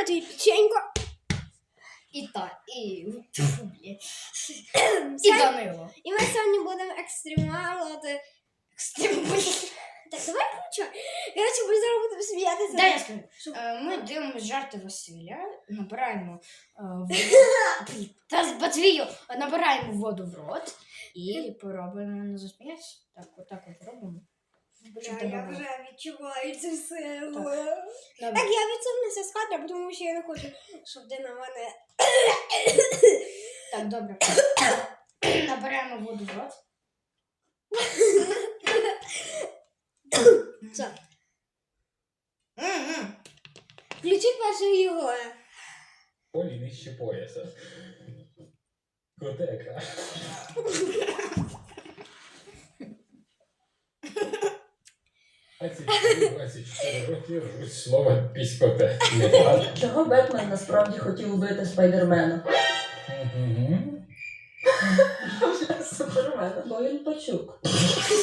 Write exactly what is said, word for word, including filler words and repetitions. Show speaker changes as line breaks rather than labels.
тобі печенько.
І та, і... Фу, блядь. І Данило.
І ми сьогодні будемо екстремалити.
Екстремально.
Так, давай включай. Короче, ми зараз будемо сміятися.
Дай я скажу. Е, Ми дивимося жарти Василя, набираємо е, воду. Та Матвію, набираємо воду в рот і поробимо не засміятися. Так, отак от робимо. Щоб
Бля,
тебе
я
було.
вже відчуваю це все.
Так.
Так,
Добре.
я відсунуся з кадра, тому що я не хочу, щоб ти на мене...
Так, добре. Набираємо воду в рот.
Все.
М-м.
Включи першого його.
Полі нижче пояса. Котека. двадцять чотири роки рвуть слово піськоте. Не так?
Чого Бетмен насправді хотів убити Спайдермена?
Мгм.
Супермена. Бо він пачук.